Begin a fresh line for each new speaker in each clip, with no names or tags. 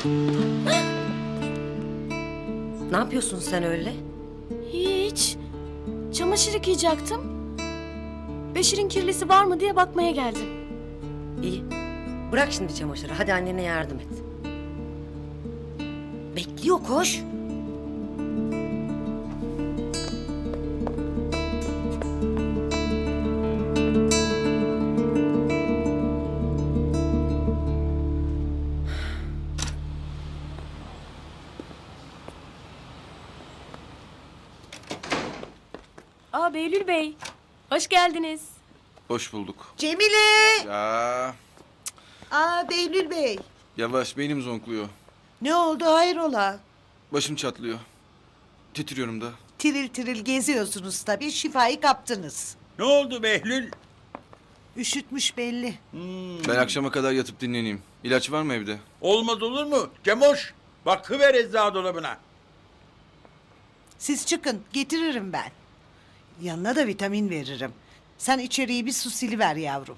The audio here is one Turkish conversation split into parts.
Ne yapıyorsun sen öyle?
Hiç. Çamaşır yıkayacaktım. Beşir'in kirlisi var mı diye bakmaya geldim.
İyi. Bırak şimdi çamaşırı. Hadi annene yardım et. Bekliyor, koş.
Aa Behlül Bey. Hoş geldiniz.
Hoş bulduk.
Cemile!
Ya
Aa Behlül Bey.
yavaş, beynim zonkluyor.
Ne oldu hayrola?
Başım çatlıyor. Titriyorum da.
Tiril tiril geziyorsunuz tabii, şifayı kaptınız.
Ne oldu Behlül?
Üşütmüş belli.
Ben akşama kadar yatıp dinleneyim. İlaç var mı evde?
Olmaz olur mu? Cemoş, bakıver eczacı dolabına.
Siz çıkın, getiririm ben. Yanına da vitamin veririm. Sen içeriği bir su siliver yavrum.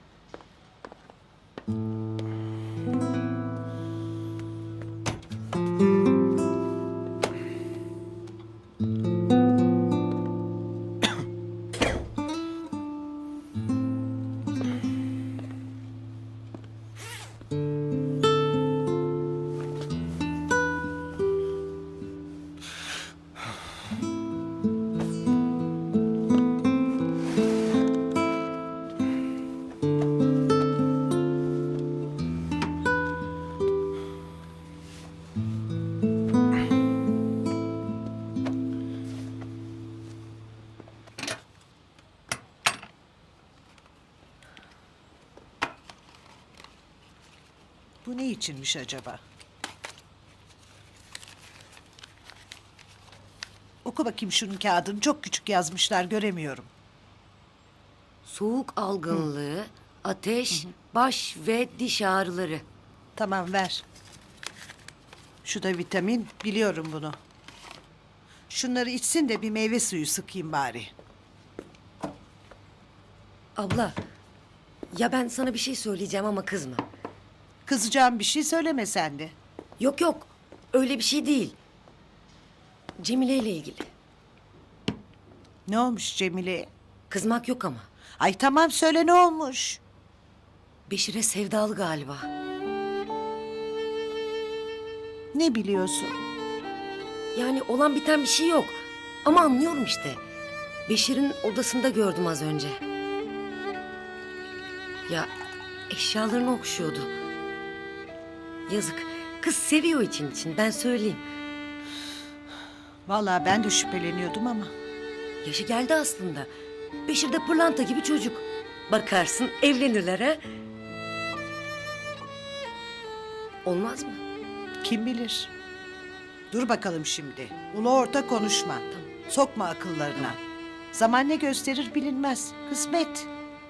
Bu ne içinmiş acaba? Oku bakayım şunun kağıdını. Çok küçük yazmışlar, göremiyorum.
Soğuk algınlığı, ateş, baş ve diş ağrıları.
Tamam, ver. Şu da vitamin, biliyorum bunu. Şunları içsin de bir meyve suyu sıkayım bari.
Abla, ya ben sana bir şey söyleyeceğim ama kızma.
Kızacağım bir şey söyleme sen de.
Yok yok, öyle bir şey değil. Cemile ile ilgili.
Ne olmuş Cemile'ye?
Kızmak yok ama.
Ay tamam, söyle ne olmuş?
Beşir'e sevdalı galiba.
Ne biliyorsun?
Yani olan biten bir şey yok. Ama anlıyorum işte. Beşir'in odasında gördüm az önce. Ya eşyalarını okşuyordu. Yazık. Kız seviyor için ben söyleyeyim.
Vallahi ben de şüpheleniyordum ama.
Yaşı geldi aslında. Beşir de pırlanta gibi çocuk. Bakarsın evlenirler ha. Olmaz mı?
Kim bilir? Dur bakalım şimdi. Ulu orta konuşma. Sokma akıllarına. Zaman ne gösterir bilinmez. Kısmet.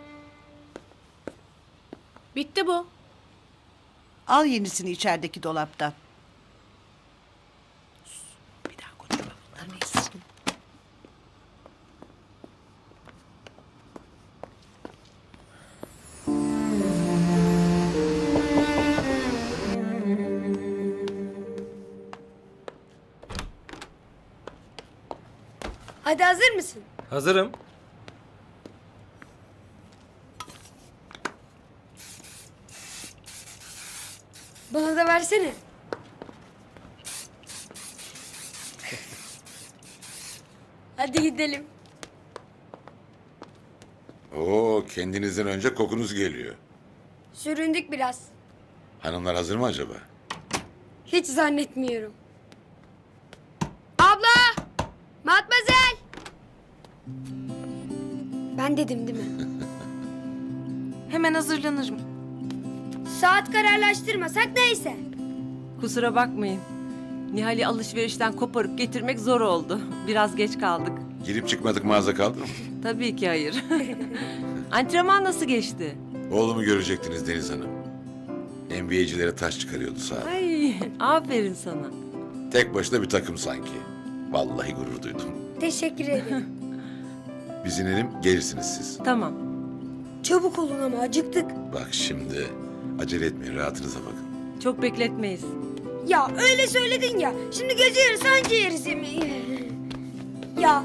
Bitti bu.
Al yenisini içerideki dolaptan. Bir daha konuşma. Neyse.
Hadi hazır mısın?
Hazırım.
Bana da versene. Hadi gidelim.
Oo, kendinizden önce kokunuz geliyor.
Süründük biraz.
Hanımlar hazır mı acaba?
Hiç zannetmiyorum. Abla! Matmazel! Ben dedim değil mi?
Hemen hazırlanırım.
Saat kararlaştırmasak neyse.
Kusura bakmayın. Nihal'i alışverişten koparıp getirmek zor oldu. Biraz geç kaldık.
Girip çıkmadık mağaza kaldı mı?
Tabii ki hayır. Antrenman nasıl geçti?
Oğlumu görecektiniz Deniz Hanım. NBA'cilere taş çıkarıyordu sağ.
Ay, aferin sana.
Tek başına bir takım sanki. Vallahi gurur duydum.
Teşekkür ederim.
Biz inelim, gelirsiniz siz.
Tamam.
Çabuk olun ama acıktık.
Bak şimdi, acele etmeyin, rahatınıza bakın.
Çok bekletmeyiz.
Ya öyle söyledin ya. Şimdi gece yarısı anca yeriz yemeği. Ya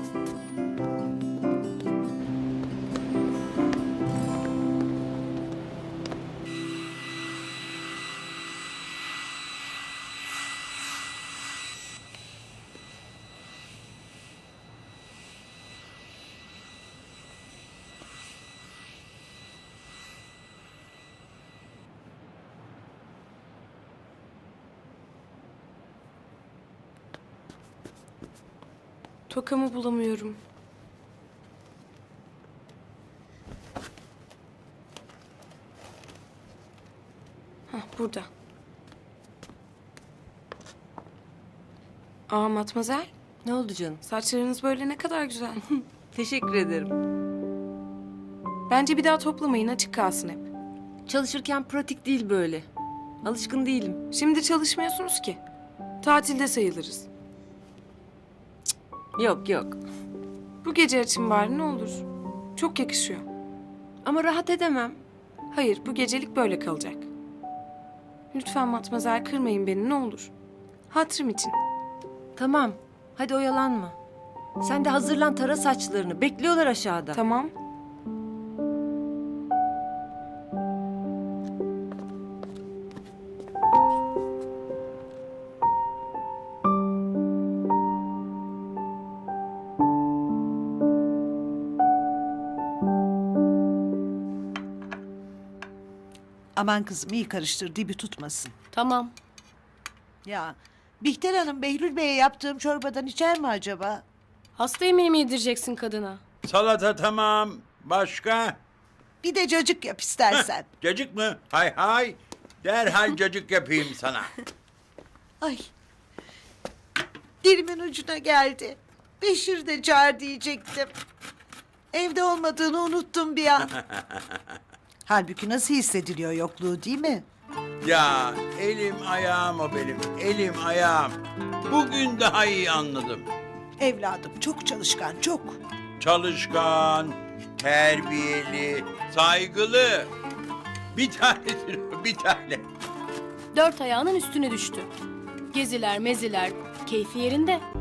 Tokamı bulamıyorum. Hah, burada. Aa Matmazel,
Ne oldu canım?
saçlarınız böyle ne kadar güzel.
Teşekkür ederim.
Bence bir daha toplamayın, açık kalsın hep.
Çalışırken pratik değil böyle. Alışkın değilim.
Şimdi çalışmıyorsunuz ki. Tatilde sayılırız.
Yok yok.
Bu gece açın bari ne olur. Çok yakışıyor.
Ama rahat edemem.
Hayır, bu gecelik böyle kalacak. Lütfen Matmazel kırmayın beni ne olur. Hatırım için.
Tamam. Hadi oyalanma. Sen de hazırlan, tara saçlarını. Bekliyorlar aşağıda.
Tamam.
Aman kızım iyi karıştır dibi tutmasın.
Tamam.
Ya Bihter Hanım Behlül Bey'e yaptığım çorbadan içer mi acaba?
Hasta yemeği mi yedireceksin kadına?
Salata tamam. Başka?
Bir de cacık yap istersen.
Cacık mı? Hay hay. Derhal cacık yapayım sana.
Ay. Dilimin ucuna geldi. Beşir de çağır diyecektim. Evde olmadığını unuttum bir an. Halbuki nasıl hissediliyor yokluğu değil mi?
Ya elim ayağım o benim. Elim ayağım. Bugün daha iyi anladım.
Evladım çok çalışkan, çok.
Çalışkan, terbiyeli, saygılı. Bir tanedir o, bir tane.
4 ayağının üstüne düştü. Geziler, meziler, keyfi yerinde.